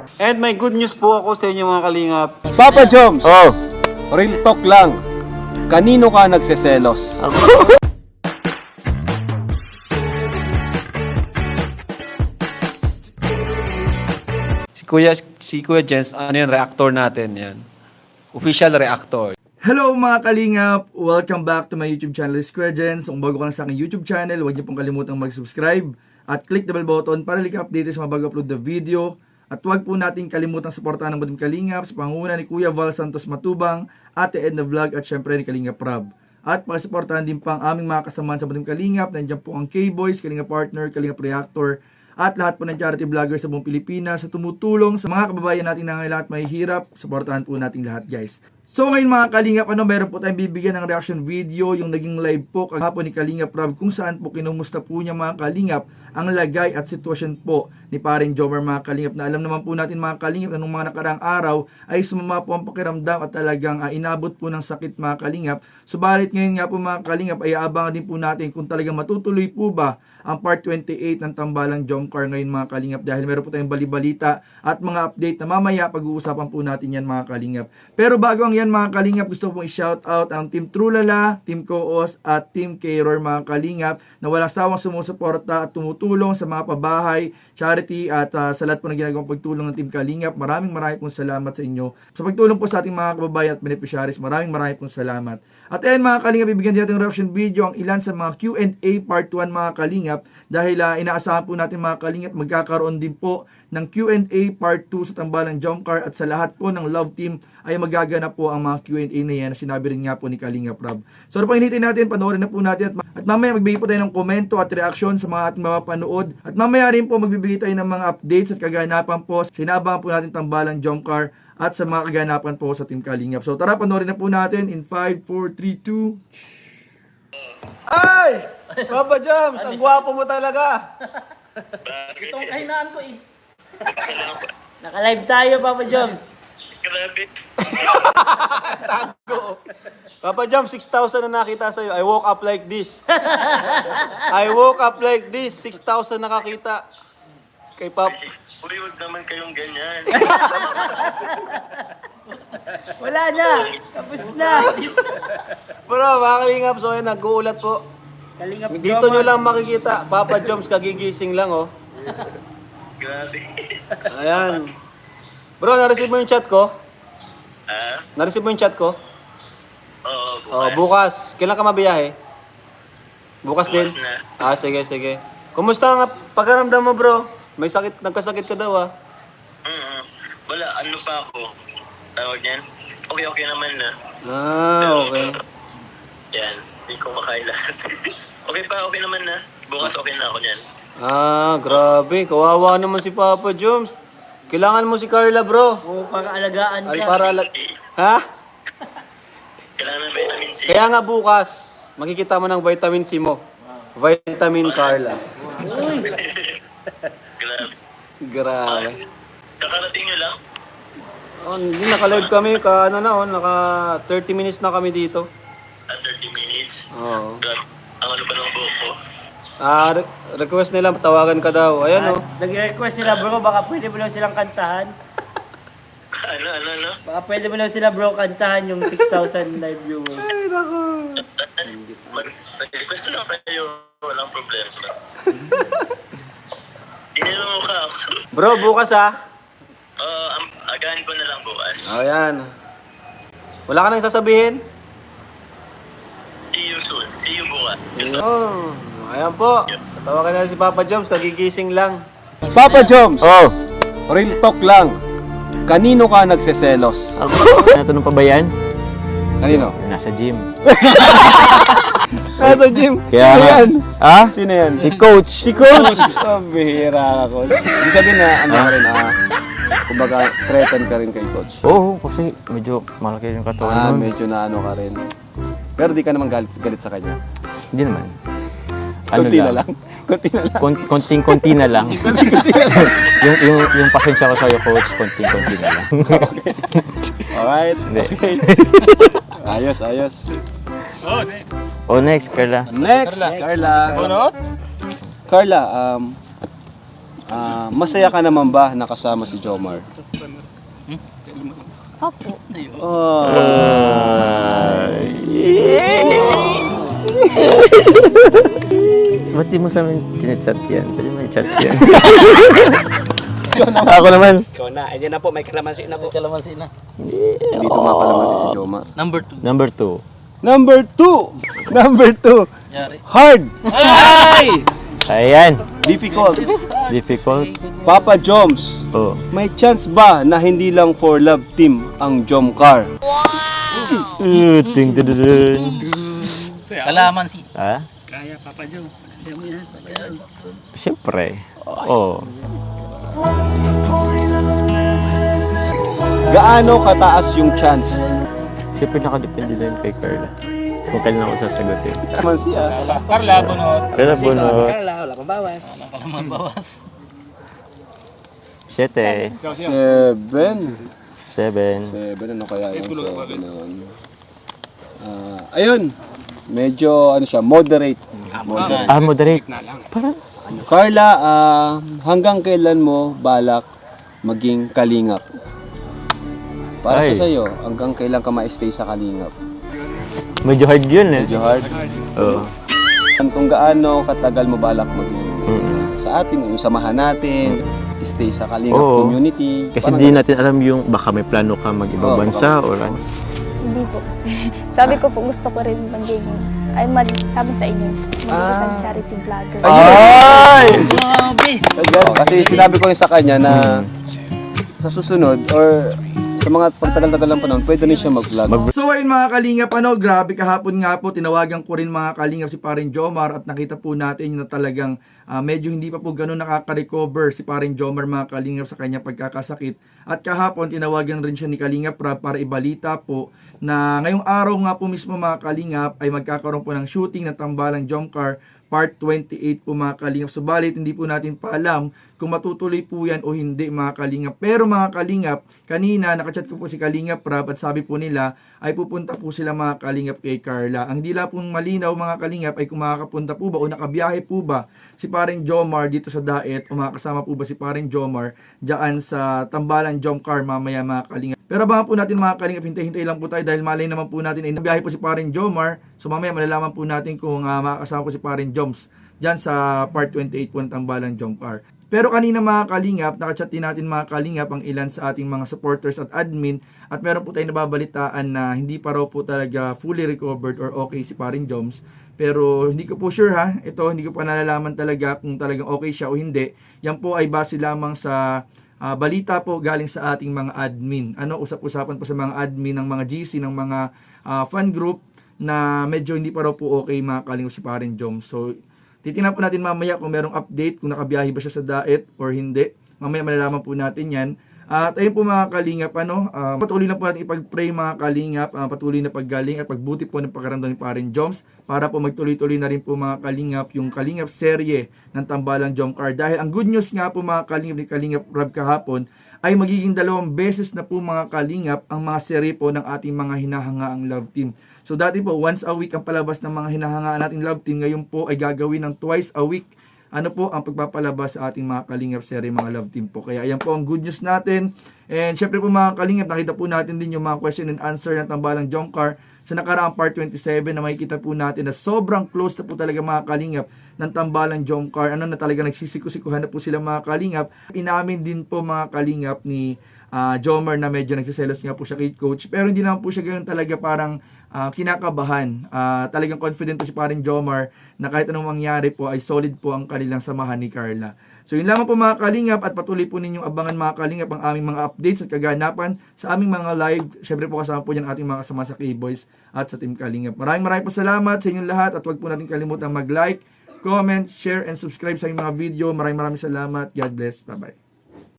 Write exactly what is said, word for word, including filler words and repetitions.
And may good news po ako sa inyo mga kalingap. Papa Joms, Oh, real talk lang. Kanino ka nagseselos? Si Kuya, si Kuya Jens, ano yun, reactor natin yan. Official reactor. Hello mga kalingap! Welcome back to my YouTube channel, Square Gens. Kung bago ka lang sa aking YouTube channel, huwag niyo pong kalimutang mag-subscribe at click the bell button para lika update sa mga bago upload na video. At huwag po natin kalimutang suportahan ng Butim Kalingap sa pangunguna ni Kuya Val Santos Matubang, Ate Edna Vlog at syempre ni Kalingap Rob. At pakisuportahan din pa ang aming mga kasamahan sa Butim Kalingap. Nandiyan po ang K-Boys, Kalingap Partner, Kalingap Reactor, at lahat po ng charity vloggers sa buong Pilipinas sa tumutulong sa mga kababayan natin na ngayon at mahihirap. Suportahan po natin lahat, guys. So ngayon mga Kalingap, ano, meron po tayong bibigyan ng reaction video, yung naging live po kahapon ni Kalingap Rob, kung saan po kinumusta po niya mga Kalingap ang lagay at sitwasyon po ni paring Jomar mga Kalingap, na alam naman po natin mga Kalingap na nung mga nakaraang araw ay sumama po ang pakiramdam at talagang uh, inabot po ng sakit mga Kalingap. Subalit ngayon nga po mga Kalingap ay aabangan din po natin kung talagang matutuloy po ba ang part twenty-eight ng Tambalang Jomcar ngayon mga Kalingap, dahil meron po tayong balibalita at mga update na mamaya pag-uusapan po natin yan mga Kalingap. Pero bago ang yan mga Kalingap, gusto ko pong i-shout out ang Team Trulala, Team Koos at Team K-Roar mga Kalingap na walang sawang sumusuporta at tumutulong sa mga pabahay, charity at uh, sa lahat po ng ginagawang pagtulong ng Team Kalingap. Maraming maraming pong salamat sa inyo sa pagtulong po sa ating mga kababayan at beneficiaries. Maraming maraming pong salamat. At ayan mga Kalingap, bibigyan din natin ng reaction video ang ilan sa mga Q and A part one mga Kalingap, dahil uh, inaasahan po natin mga Kalingap magkakaroon din po ng Q and A part two sa Tambalang Jomcar, at sa lahat po ng Love Team ay magaganap po ang mga Q and A na yan na sinabi rin nga po ni Kalingap Rob. So ano pang hinihintay natin, panoorin na po natin, at, at mamaya magbigay po tayo ng komento at reaksyon sa mga ating mapapanood, at mamaya rin po magbibigay tayo ng mga updates at kaganapan po, sinabangan po natin Tambalang Jomcar at sa mga kaganapan po sa Team Kalingap. So tara, panoorin na po natin in five, four, three, two. Ay! Papa Joms, ang gwapo mo talaga. Itong kahinaan ko eh. Naka-live tayo, Papa Joms. Grabe. Papa Joms, six thousand na nakita sa'yo. I woke up like this. I woke up like this. six thousand nakakita. Kay Pap. Uy, wag naman kayong ganyan. Wala na. Tapos na. Bro, mga Kalingap, so yun, nag-uulat po. Kalingap Dito nyo lang makikita. Papa Joms, kagigising lang, oh. Grabe. Ayan. Bro, na-receive mo yung chat ko? Ah? Na-receive mo yung chat ko? Oo, bukas. Oh, bukas. Kailan ka mabiyahe? Bukas, Bukas din? na. Ah, sige, sige. Kumusta nga pagkaramdam mo, bro? May sakit, nagkasakit ka daw, ah. Mm-mm. Wala, ano pa ako? Tawag niyan? Okay, okay naman na. Ah, okay. Yan, hindi ko makain lahat. Okay pa, okay naman na. Bukas okay na ako niyan. Ah, grabe. Kawawa naman si Papa Joms. Kailangan mo si Carla, bro. Oo, para alagaan Ay, ka. para lag... Ha? Kailangan ng vitamin C. Kaya nga bukas, makikita mo ng vitamin C mo. Vitamin Carla. Grabe. Grabe. Kakarating nyo lang? Oh, hindi, naka-live kami. Ka, ano na, oh, naka thirty minutes na kami dito. At thirty minutes. Oo. Grabe. Ang ano pa ng buhok ko? Ah, re- request nila, tawagan ka daw. Ayan, oh. Nag-request sila bro, baka pwede mo lang silang kantahan. Ano, ano, ano? Baka pwede mo lang sila bro kantahan yung six thousand live viewers. Ay, nako. Mag- Mag-request lang kayo. Walang problema. Inilo mo ka ako. Bro, bukas, ah. Oo, um, agahan ko na lang bukas. Oh, ayan. Wala ka nang sasabihin? See you soon. See you bukas. Oh, ayan po. Tawagan na si Papa Joms, kagigising lang. Papa Joms, oh. real talk lang. Kanino ka nagseselos? Ako? Natanong pa ba yan? Kanino? Nasa gym. Nasa gym. Kaya Sino nga. yan? Ha? Sino yan? Si Coach. Si Coach! Oh, bihira ka, Coach. Ibig sabihin na, ano ka rin, ah, kumbaga, threaten ka rin kay Coach. Oo, kasi medyo malaki yung katawan Ah, nun. medyo na ano ka rin. Pero di ka naman galit, galit sa kanya. Hindi naman. Ano Kunti na lang. Kunti na lang. Kon- konting-konti na lang. yung, yung, yung pasensya ko sa'yo, Coach, konting-konti na lang. Alright. Hindi. Okay. Ayos, ayos. Oh, next, Carla. Next, Carla. Carla, um, ah, masaya ka naman ba nakasama si Jomar? Opo. Oh. Ba't di mo sa amin tinachat yan? Pwede mo i-chat yan. Ako naman. Ikaw na. Ayan na po. May kalamansi na po. May kalamansi na. Dito nga pala kasi si Jomar. Number two. Number two. Number two! Number two! Yari. Hard! Ay! Ayan. Difficult. Difficult. Papa Joms, Oh. may chance ba na hindi lang for love team ang Jomcar? Uh, ting dun dun dun. Kalamansi. Ha? Kaya, Papa Jones. Kaya mo yan, Papa Jones. Siyempre. Oh. Gaano kataas yung chance? Siyempre nakadepende na yun kay Carla. Kung kailan ako sasagutin. Naman siya. Carla, bunot. Carla, bunot. Carla, wala pang bawas. Wala pang bawas. Siyete. Seven. Seven. Seven, ano kaya yung seven na yun? Ah, ayun. Medyo, ano siya, moderate. Moderate. Ah, moderate. Parang, Carla, ah, hanggang kailan mo balak maging kalingap? Para Ay. sa sayo, hanggang kailan ka ma-stay sa kalingap? medyo hard yun eh. Medyo hard. Oo. Kung gaano katagal mo balak maging Mm. sa atin, yung samahan natin, stay sa kalingap Oo. community. Kasi Parang di ganun. natin alam yung baka may plano ka mag-ibang Oo, bansa or ano. Hindi po kasi. Sabi ko po gusto ko rin maging, ay mag, sabi sa inyo, maging isang charity vlogger. Ay! Oo, kasi sinabi ko rin sa kanya na sa susunod or sa mga pagtagal-tagal ng panahon, pwede rin siya mag-vlog. So ayun mga kalingap, ano, grabe kahapon nga po, tinawagan ko rin mga kalingap si Paring Jomar at nakita po natin na talagang ah, medyo hindi pa po ganun nakaka-recover si Paring Jomar mga kalingap sa kanya pagkakasakit. At kahapon tinawagan rin siya ni Kalingap Rab para ibalita po na ngayong araw nga po mismo mga kalingap ay magkakaroon po ng shooting ng Tambalang Jomcar Part twenty-eight po mga kalingap. Subalit hindi po natin pa alam kung matutuloy po yan o hindi mga kalingap. Pero mga kalingap, kanina nakachat ko po si Kalingap Rab at sabi po nila ay pupunta po sila mga kalingap kay Carla. Ang hindi lang pong malinaw mga kalingap ay kung makakapunta po ba o nakabiyahe po ba si Paring Jomar dito sa Daet o makakasama po ba si Paring Jomar dyan sa Tambalang Jomcar mamaya mga kalingap. Pero abangan po natin mga kalingap, hintay-hintay lang po tayo dahil malay naman po natin ay nabiyahe po si Paring Jomar. So mamaya malalaman po natin kung uh, makakasama po si Paring Joms dyan sa Part twenty-eight po ng Tambalang Jomcar. Pero kanina mga kalingap, nakachat din natin mga kalingap ang ilan sa ating mga supporters at admin at meron po tayong nababalitaan na hindi pa raw po talaga fully recovered or okay si Paring Joms. Pero hindi ko po sure ha, ito hindi ko pa nalalaman talaga kung talagang okay siya o hindi. Yan po ay base lamang sa uh, balita po galing sa ating mga admin. Ano, usap-usapan po sa mga admin ng mga G C, ng mga uh, fan group na medyo hindi pa raw po okay mga kalingap si Paring Joms. So, titingnan po natin mamaya kung merong update, kung nakabiyahe ba siya sa Daet or hindi. Mamaya malalaman po natin yan. At ayun po mga kalingap, ano, uh, patuloy na po natin ipag-pray mga kalingap, uh, patuloy na paggaling at pagbuti po ng pagkaramdam ni Paring Joms para po magtuloy-tuloy na rin po mga kalingap yung Kalingap serye ng Tambalang Jomcar. Dahil ang good news nga po mga kalingap ni Kalingap Rab kahapon ay magiging dalawang beses na po mga kalingap ang mga serye po ng ating mga hinahangaang love team. So dati po, once a week ang palabas ng mga hinahangaan nating love team. Ngayon po ay gagawin ng twice a week. Ano po ang pagpapalabas sa ating mga kalingap serye, mga love team po. Kaya ayan po ang good news natin. And syempre po mga kalingap, nakita po natin din yung mga question and answer ng Tambalang Jomcar sa nakaraang part twenty-seven na makikita po natin na sobrang close na po talaga mga kalingap ng Tambalang Jomcar. Ano na talaga nagsisikusikuhan na po sila mga kalingap. Inamin din po mga kalingap ni uh, Jomar na medyo nagsiselos nga po siya kay coach. Pero hindi naman po siya ganoon talaga parang Uh, kinakabahan. Uh, talagang confident po si Paring Jomar na kahit anong mangyari po ay solid po ang kanilang samahan ni Carla. So yun lamang po mga kalingap at patuloy po ninyong abangan mga kalingap ang aming mga updates at kaganapan sa aming mga live. Syempre po kasama po dyan ating mga kasama sa K-Boys at sa Team Kalingap. Maraming maraming po salamat sa inyong lahat at huwag po natin kalimutan mag-like, comment, share, and subscribe sa aming mga video. Maraming maraming salamat. God bless. Bye-bye.